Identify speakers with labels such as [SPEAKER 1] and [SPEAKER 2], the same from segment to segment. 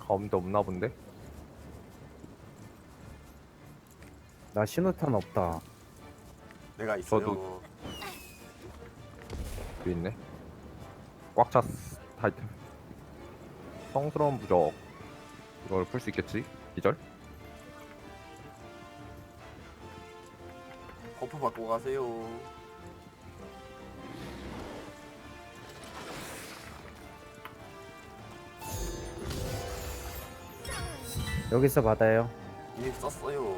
[SPEAKER 1] 가운데 없나 본데?
[SPEAKER 2] 나 신호탄 없다.
[SPEAKER 3] 내가 있어요.
[SPEAKER 1] 저도. 여기 있네. 꽉 찼어. 타이틀. 성스러운 부적. 이걸 풀 수 있겠지? 기절?
[SPEAKER 3] 버프 받고 가세요.
[SPEAKER 2] 여기서 받아요.
[SPEAKER 3] 이미 썼어요.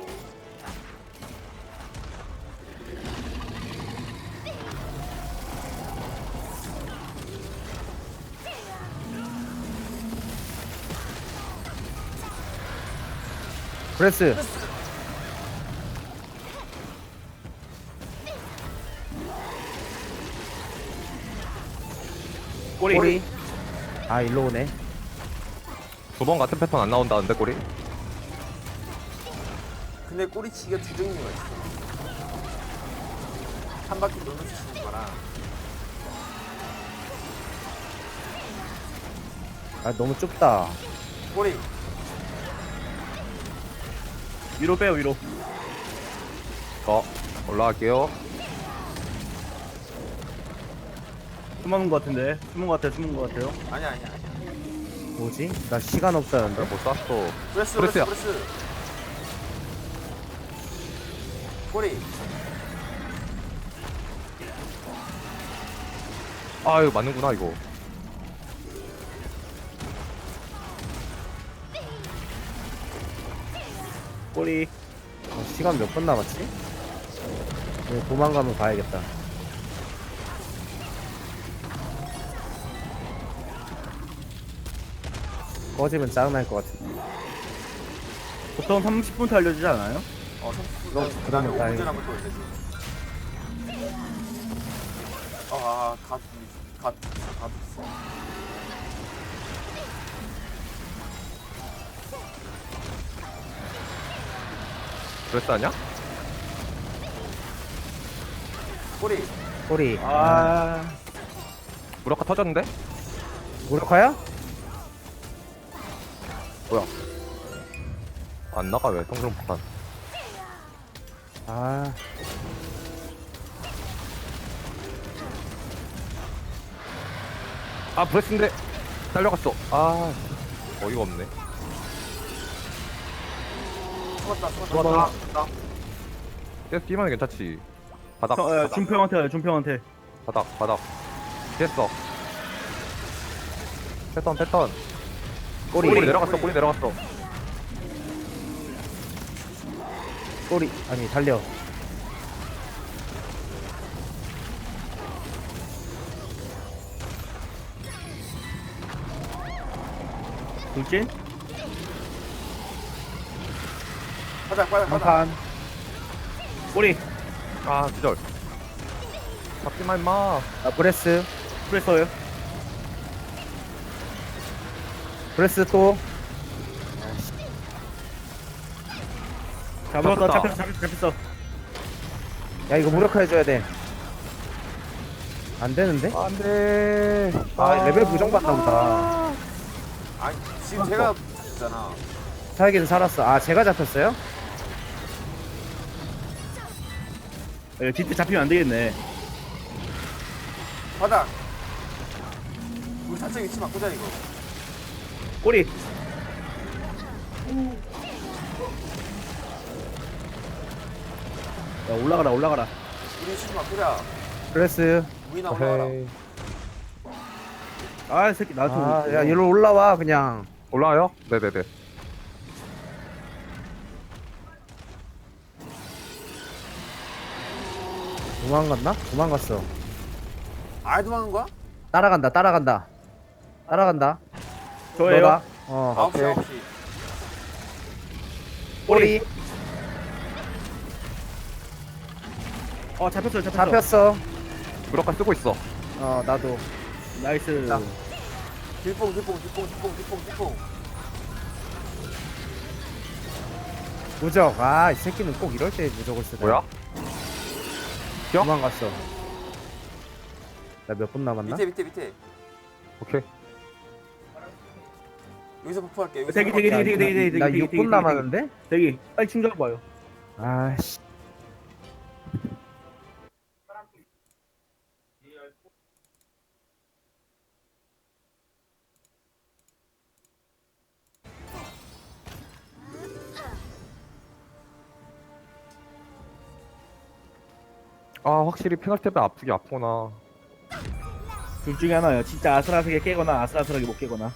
[SPEAKER 2] 브레스. 꼬리. 아, 일로 오네.
[SPEAKER 1] 두 번 같은 패턴 안 나온다는데 꼬리?
[SPEAKER 3] 근데 꼬리치기가 두 종류가 있어. 한 바퀴 돌면서 치는 거랑
[SPEAKER 2] 아, 너무 좁다.
[SPEAKER 3] 꼬리.
[SPEAKER 4] 위로 빼요 위로.
[SPEAKER 1] 올라갈게요.
[SPEAKER 4] 숨은 것 같은데. 숨은 것 같아요. 숨은 것 같아요.
[SPEAKER 3] 아니야.
[SPEAKER 2] 뭐지? 나 시간 없다는데.
[SPEAKER 1] 못 쐈어.
[SPEAKER 3] 브레스.
[SPEAKER 1] 브레스야.
[SPEAKER 3] 꼬리.
[SPEAKER 1] 아 이거 맞는구나 이거.
[SPEAKER 4] 꼬리.
[SPEAKER 2] 시간 몇 분 남았지? 네, 도망가면 가야겠다. 꺼지면 짜증날 것 같은데.
[SPEAKER 4] 보통 30분 알려주지 않아요?
[SPEAKER 3] 30분.
[SPEAKER 2] 그러면
[SPEAKER 3] 5분
[SPEAKER 2] 다행이다.
[SPEAKER 3] 전에 한번 또 올려줘. 갓 있어.
[SPEAKER 1] 브레스 아냐?
[SPEAKER 3] 꼬리.
[SPEAKER 2] 꼬리.
[SPEAKER 1] 무력화 터졌는데?
[SPEAKER 2] 무력화야?
[SPEAKER 1] 뭐야? 안 나가 왜? 성스러운 폭탄.
[SPEAKER 2] 아,
[SPEAKER 1] 아 브레스인데 딸려갔어. 아 어이가 없네.
[SPEAKER 3] 죽었다.
[SPEAKER 1] 계속 뛰면 괜찮지. 바닥
[SPEAKER 4] 준평한테 가요. 준평한테.
[SPEAKER 1] 바닥 됐어. 패턴 꼬리 내려갔어. 꼬리 내려갔어.
[SPEAKER 2] 꼬리. 아니, 달려.
[SPEAKER 4] 돌진.
[SPEAKER 3] 가자.
[SPEAKER 2] 한판.
[SPEAKER 4] 꼬리.
[SPEAKER 1] 아 기절. 잡지마 임마.
[SPEAKER 2] 아, 브레스.
[SPEAKER 4] 프레서요.
[SPEAKER 2] 브레스 또.
[SPEAKER 4] 잡았어.
[SPEAKER 1] 잡혔다.
[SPEAKER 4] 잡혔어.
[SPEAKER 2] 야, 이거 무력화해줘야 돼. 안 되는데?
[SPEAKER 1] 안돼.
[SPEAKER 2] 아, 레벨 부정받나 보다.
[SPEAKER 3] 아니 지금 제가 있잖아.
[SPEAKER 2] 살기는 살았어. 아, 제가 잡혔어요?
[SPEAKER 4] 뒤태 잡히면 안 되겠네.
[SPEAKER 3] 바닥. 우리 단체 위치 바꾸자 이거.
[SPEAKER 4] 꼬리. 야, 올라가라.
[SPEAKER 3] 우리 위치 좀 바꾸자.
[SPEAKER 2] 브레스.
[SPEAKER 3] 무이나 올라와라.
[SPEAKER 1] 헤이.
[SPEAKER 4] 이 새끼 나한테
[SPEAKER 2] 아,
[SPEAKER 4] 오고
[SPEAKER 2] 야,
[SPEAKER 4] 있어.
[SPEAKER 2] 얘로 올라와, 그냥.
[SPEAKER 1] 올라와요? 네네네.
[SPEAKER 2] 도망갔나? 도망갔어.
[SPEAKER 3] 아예 도망간 거야?
[SPEAKER 2] 따라간다.
[SPEAKER 4] 저예요.
[SPEAKER 2] 너다. 어,
[SPEAKER 3] 9시.
[SPEAKER 2] 꼬리.
[SPEAKER 4] 잡혔어요.
[SPEAKER 2] 잡혔어.
[SPEAKER 1] 무력화 쓰고 있어.
[SPEAKER 2] 어, 나도.
[SPEAKER 4] 나이스.
[SPEAKER 2] 나.
[SPEAKER 3] 뒷봉.
[SPEAKER 2] 무적. 아, 이 새끼는 꼭 이럴 때 무적을 쓰네.
[SPEAKER 1] 뭐야? 야?
[SPEAKER 2] 도망갔어. 나 몇 분 남았나?
[SPEAKER 3] 밑에.
[SPEAKER 1] 오케이.
[SPEAKER 3] 여기서 버프할게. 여기서
[SPEAKER 4] 대기,
[SPEAKER 3] 버프할게.
[SPEAKER 4] 대기.
[SPEAKER 2] 나 6분 남았는데?
[SPEAKER 4] 대기 빨리 충전해 봐요.
[SPEAKER 2] 아씨.
[SPEAKER 1] 아 확실히 페널티 때문에 아프게 아프구나.
[SPEAKER 4] 둘 중에 하나예요. 진짜 아슬아슬하게 깨거나 아슬아슬하게 못 깨거나.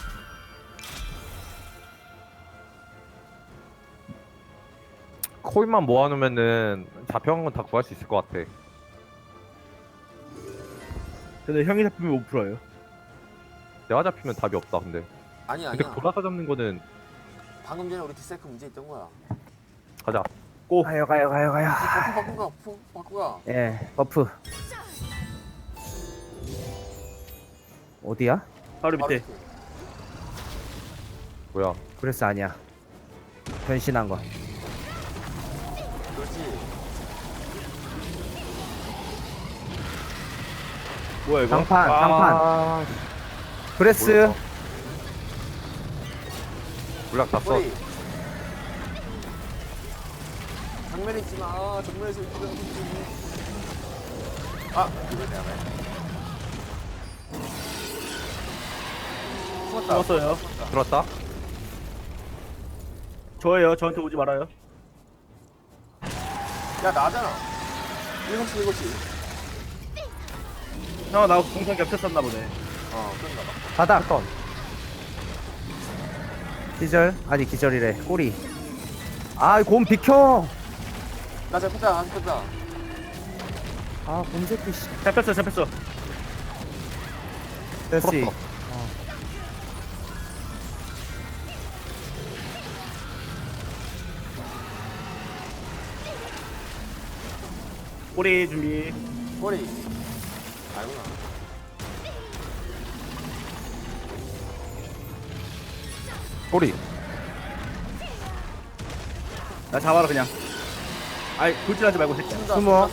[SPEAKER 1] 코인만 모아놓으면은 잡혀간 건 다 구할 수 있을 것 같아.
[SPEAKER 4] 근데 형이 잡히면 못 풀어요.
[SPEAKER 1] 내가 잡히면 답이 없다 근데.
[SPEAKER 3] 아니야
[SPEAKER 1] 근데
[SPEAKER 3] 아니야.
[SPEAKER 1] 돌아서 잡는 거는
[SPEAKER 3] 방금 전에 우리 디사이클 문제 있던 거야.
[SPEAKER 1] 가자.
[SPEAKER 2] 가요.
[SPEAKER 3] 버프 바꾸가. 버프 바꾸가.
[SPEAKER 2] 예, 버프. 어디야?
[SPEAKER 4] 바로
[SPEAKER 3] 바로
[SPEAKER 4] 밑에.
[SPEAKER 3] 밑에.
[SPEAKER 1] 뭐야?
[SPEAKER 2] 브레스 아니야. 변신한 거.
[SPEAKER 3] 그렇지.
[SPEAKER 4] 뭐야 이거?
[SPEAKER 2] 장판,
[SPEAKER 1] 아,
[SPEAKER 2] 장판. 브레스.
[SPEAKER 1] 물약 다 써.
[SPEAKER 3] 꼬리. 정면에 있지 마. 정면에서 이기는 아, 이거 내가 왜? 숨었다.
[SPEAKER 4] 죽었어요.
[SPEAKER 1] 들었다?
[SPEAKER 4] 저예요. 저한테 오지 말아요.
[SPEAKER 3] 야, 나잖아. 7시, 7시.
[SPEAKER 4] 형 나하고 공상 겹쳤었나 보네.
[SPEAKER 3] 그런가 봐.
[SPEAKER 2] 바닥. 기절? 아니 기절이래. 꼬리. 아, 곰 비켜.
[SPEAKER 3] 나 잡혔다, 나 잡혔다.
[SPEAKER 2] 아, 곰 새끼 씨.
[SPEAKER 4] 잡혔어.
[SPEAKER 2] 됐지.
[SPEAKER 1] 풀었어.
[SPEAKER 4] 꼬리 준비.
[SPEAKER 3] 꼬리. 아니구나.
[SPEAKER 1] 꼬리.
[SPEAKER 4] 나 잡아라 그냥. 아이 돌진하지 말고 새끼야.
[SPEAKER 2] 숨어.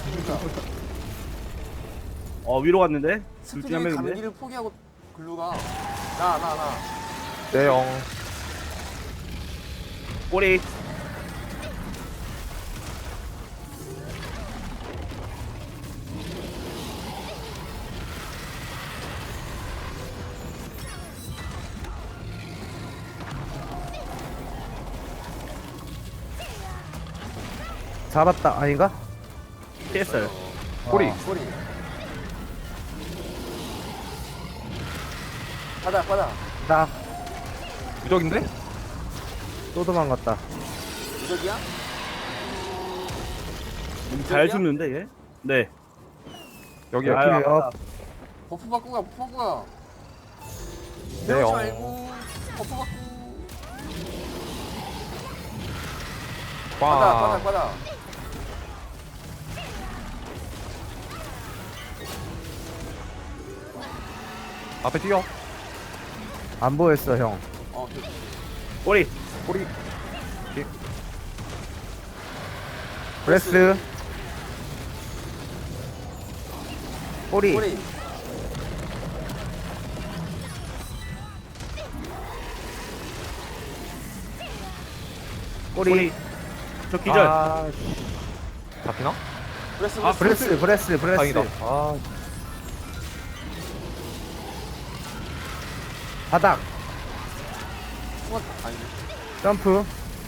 [SPEAKER 4] 위로 갔는데? 둘 중에 한
[SPEAKER 3] 스피드에 가는
[SPEAKER 4] 명인데?
[SPEAKER 3] 길을 포기하고 글루가. 나.
[SPEAKER 1] 내영.
[SPEAKER 4] 꼬리.
[SPEAKER 2] 잡았다. 아닌가?
[SPEAKER 4] 피했어요.
[SPEAKER 1] 꼬리.
[SPEAKER 3] 꼬리. 바다.
[SPEAKER 2] 나
[SPEAKER 1] 무적인데?
[SPEAKER 2] 또 도망갔다.
[SPEAKER 3] 무적이야?
[SPEAKER 4] 잘 죽는데 얘? 네.
[SPEAKER 1] 여기야.
[SPEAKER 2] 아유.
[SPEAKER 4] 아유, 아깝다.
[SPEAKER 3] 버프 바꾸가, 버프 바꾸가.
[SPEAKER 1] 네,
[SPEAKER 3] 배우지 말고. 버프 바꾸.
[SPEAKER 1] 와.
[SPEAKER 3] 바다.
[SPEAKER 1] 앞에 뛰어.
[SPEAKER 2] 안 보였어, 형.
[SPEAKER 3] 됐어.
[SPEAKER 4] 꼬리.
[SPEAKER 1] 꼬리.
[SPEAKER 2] 브레스. 꼬리.
[SPEAKER 3] 꼬리.
[SPEAKER 2] 꼬리.
[SPEAKER 4] 저 기절.
[SPEAKER 1] 아, 잡히나?
[SPEAKER 3] 브레스,
[SPEAKER 4] 아,
[SPEAKER 2] 브레스.
[SPEAKER 1] 다행이다. 아,
[SPEAKER 2] 바닥.
[SPEAKER 3] 숨었다. 아니,
[SPEAKER 2] 점프.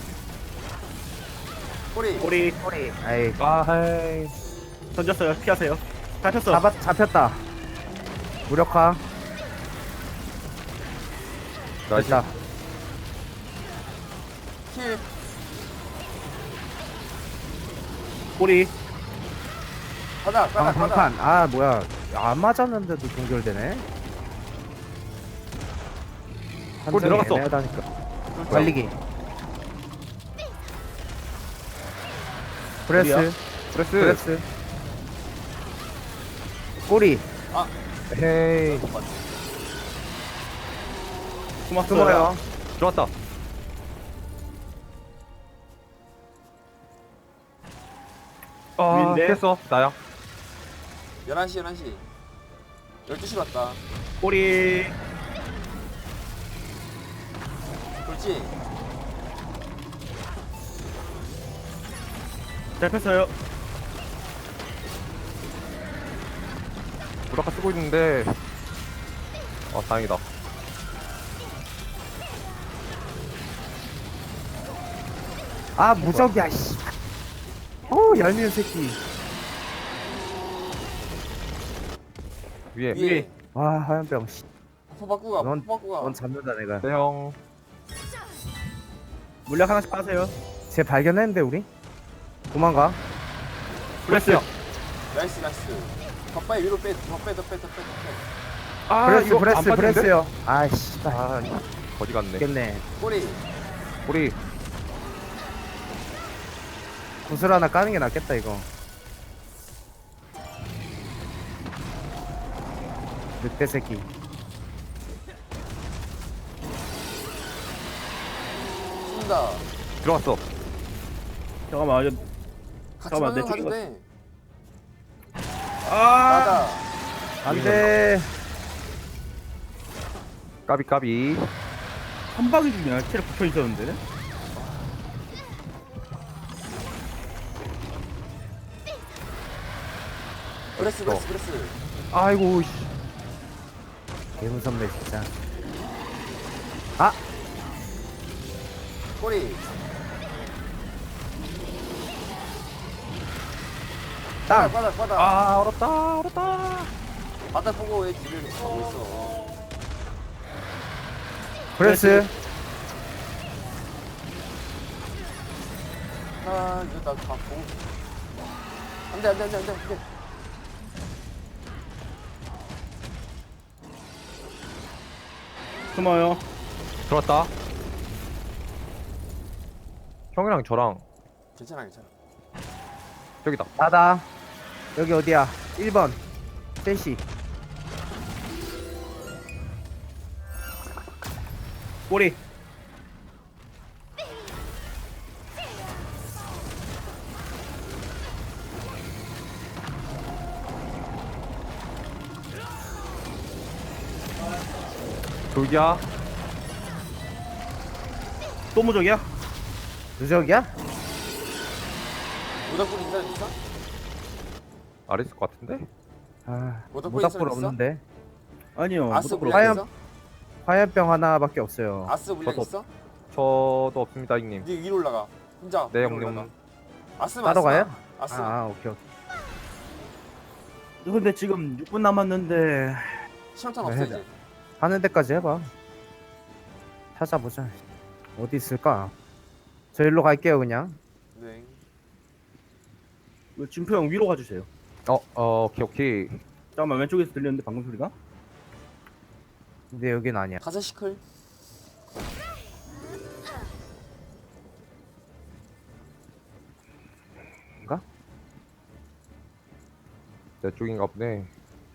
[SPEAKER 3] 꼬리.
[SPEAKER 4] 꼬리.
[SPEAKER 2] 꼬리. 아이,
[SPEAKER 1] 아이.
[SPEAKER 4] 던졌어요. 피하세요. 잡혔어.
[SPEAKER 2] 잡혔다. 무력화.
[SPEAKER 1] 나이스.
[SPEAKER 2] 됐다.
[SPEAKER 3] 킬.
[SPEAKER 4] 꼬리.
[SPEAKER 3] 바다.
[SPEAKER 2] 방판. 아, 뭐야. 안 맞았는데도 동결되네.
[SPEAKER 1] 골 들어갔어.
[SPEAKER 2] 애매하다니까. 달리기. 브레스.
[SPEAKER 1] 브레스.
[SPEAKER 2] 꼬리.
[SPEAKER 1] 헤이.
[SPEAKER 2] 숨어요.
[SPEAKER 1] 들어왔다. 아,
[SPEAKER 4] 위인데?
[SPEAKER 1] 됐어. 나야.
[SPEAKER 3] 11시. 12시 왔다.
[SPEAKER 4] 꼬리.
[SPEAKER 3] 있지?
[SPEAKER 4] 잡혔어요.
[SPEAKER 1] 무라카 쓰고 있는데. 아 다행이다.
[SPEAKER 2] 아 무적이야 씨. 오 얄미운 새끼.
[SPEAKER 1] 위에.
[SPEAKER 3] 위에.
[SPEAKER 2] 와 하얀병 씨.
[SPEAKER 3] 포 바꾸가.
[SPEAKER 2] 넌-
[SPEAKER 3] 포 바꾸가.
[SPEAKER 2] 넌 잡는다 내가.
[SPEAKER 1] 네 형.
[SPEAKER 4] 물약 하나씩 빠세요.
[SPEAKER 2] 쟤 발견했는데 우리? 도망가.
[SPEAKER 4] 블레스.
[SPEAKER 3] 나이스 나이스. 덧바에 위로 빼. 더 빼.
[SPEAKER 1] 아
[SPEAKER 2] 브레스
[SPEAKER 1] 이거
[SPEAKER 2] 브레스
[SPEAKER 1] 안 빠지는데?
[SPEAKER 2] 브레스요. 아씨.
[SPEAKER 1] 아 거지 같네.
[SPEAKER 2] 죽겠네.
[SPEAKER 3] 꼬리.
[SPEAKER 1] 우리
[SPEAKER 2] 구슬 하나 까는 게 낫겠다 이거. 늑대 새끼.
[SPEAKER 3] 쏜다.
[SPEAKER 1] 들어갔어.
[SPEAKER 4] 잠깐만.
[SPEAKER 3] 같이
[SPEAKER 4] 잠깐만, 내
[SPEAKER 3] 방향 가도
[SPEAKER 4] 쪽인
[SPEAKER 3] 돼.
[SPEAKER 4] 아.
[SPEAKER 3] 맞아.
[SPEAKER 2] 안돼.
[SPEAKER 1] 까비.
[SPEAKER 4] 한 방이 중이야. 체력 붙어 있었는데.
[SPEAKER 3] 브레스.
[SPEAKER 1] 아이고 씨.
[SPEAKER 2] 개 무섭네 진짜.
[SPEAKER 3] 꼬리.
[SPEAKER 2] 땅.
[SPEAKER 3] 바닥.
[SPEAKER 1] 아 얼었다.
[SPEAKER 3] 바닥 보고 왜 뒤를 가고 있어.
[SPEAKER 2] 브레스.
[SPEAKER 3] 아 이거 나 보고. 안돼.
[SPEAKER 4] 숨어요.
[SPEAKER 1] 들어왔다. 형이랑 저랑
[SPEAKER 3] 괜찮아.
[SPEAKER 1] 저기다.
[SPEAKER 2] 나다. 여기 어디야? 1번. 셋이.
[SPEAKER 4] 꼬리.
[SPEAKER 1] 돌기야.
[SPEAKER 4] 또 무적이야?
[SPEAKER 2] 누적이야?
[SPEAKER 3] 모닥불 있는 사람 있어?
[SPEAKER 1] 아래 있을 것 같은데?
[SPEAKER 2] 아
[SPEAKER 3] 모닥불
[SPEAKER 2] 모닥불
[SPEAKER 3] 있어?
[SPEAKER 2] 없는데.
[SPEAKER 4] 아니요.
[SPEAKER 3] 아스
[SPEAKER 4] 무적으로.
[SPEAKER 3] 물약
[SPEAKER 2] 하얀-
[SPEAKER 3] 있어?
[SPEAKER 2] 화염병 하나밖에 없어요.
[SPEAKER 3] 아스 물약
[SPEAKER 1] 저도
[SPEAKER 3] 있어?
[SPEAKER 1] 저도 없습니다 형님.
[SPEAKER 3] 네 위로 올라가. 혼자.
[SPEAKER 1] 네
[SPEAKER 3] 위로
[SPEAKER 1] 형님.
[SPEAKER 3] 올라가. 아스만.
[SPEAKER 2] 따로 가요?
[SPEAKER 3] 아스.
[SPEAKER 2] 오케이.
[SPEAKER 4] 근데 지금 6분 남았는데.
[SPEAKER 3] 시험탄
[SPEAKER 2] 네,
[SPEAKER 3] 없어
[SPEAKER 2] 해자.
[SPEAKER 3] 이제.
[SPEAKER 2] 하는 데까지 해봐. 찾아보자. 어디 있을까? 저 일로 갈게요 그냥.
[SPEAKER 3] 네.
[SPEAKER 4] 이거 진표 형 위로 가주세요.
[SPEAKER 1] 오케이.
[SPEAKER 4] 잠깐만, 왼쪽에서 들렸는데 방금 소리가?
[SPEAKER 2] 근데 여긴 아니야.
[SPEAKER 3] 가자 시클.
[SPEAKER 1] 내 쪽인가 보네.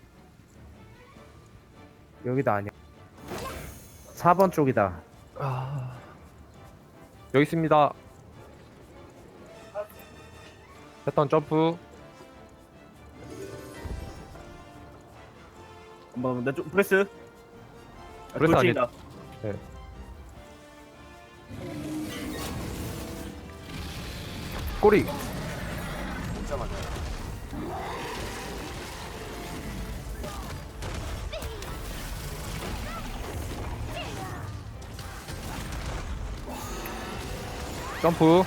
[SPEAKER 2] 여기도 아니야. 4번 쪽이다.
[SPEAKER 1] 여기 있습니다. 패턴 점프.
[SPEAKER 4] 한번 내쪽 브레스.
[SPEAKER 1] 브레스 아니-
[SPEAKER 4] 돌진이다.
[SPEAKER 1] 꼬리.
[SPEAKER 3] 진짜 맞아.
[SPEAKER 1] 점프.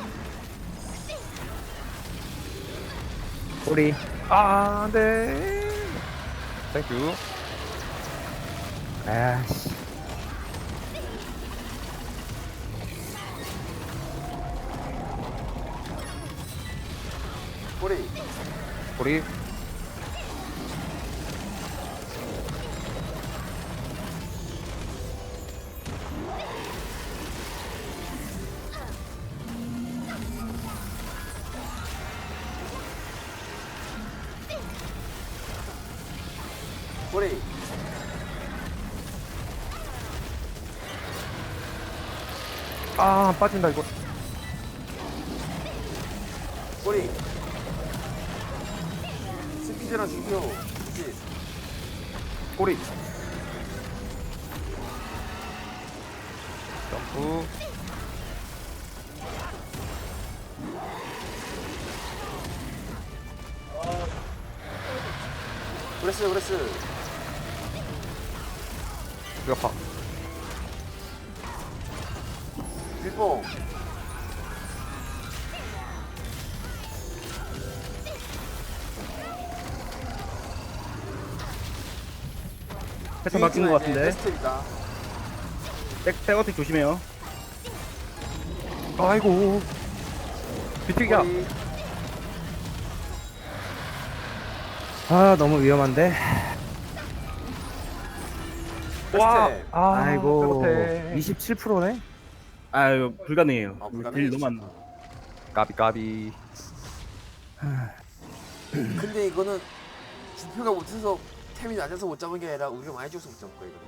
[SPEAKER 2] 우리
[SPEAKER 1] 아 안돼. 땡큐.
[SPEAKER 2] 아씨.
[SPEAKER 3] 꼬리.
[SPEAKER 1] 꼬리.
[SPEAKER 3] 꼬리.
[SPEAKER 1] 아 빠진다 이거.
[SPEAKER 3] 꼬리. 스피드랑 중표. 그치?
[SPEAKER 1] 꼬리. 점프.
[SPEAKER 3] 브레스.
[SPEAKER 1] 수격파.
[SPEAKER 3] 밀봉.
[SPEAKER 4] 패턴 바뀐 것 같은데.
[SPEAKER 3] 베스트입니다.
[SPEAKER 4] 백어택 조심해요.
[SPEAKER 1] 아이고. 비틱이야.
[SPEAKER 3] 머리.
[SPEAKER 2] 아 너무 위험한데.
[SPEAKER 1] 와.
[SPEAKER 3] 베스트.
[SPEAKER 2] 아이고
[SPEAKER 1] 백어택.
[SPEAKER 2] 27%네.
[SPEAKER 4] 아유 불가능해요.
[SPEAKER 3] 아, 불가능해?
[SPEAKER 4] 딜 너무 안 나.
[SPEAKER 1] 까비.
[SPEAKER 3] 근데 이거는 지표가 못해서 템이 낮아서 못 잡은 게 아니라 우리가 많이 줘서 못 잡은 거예요. 이거는.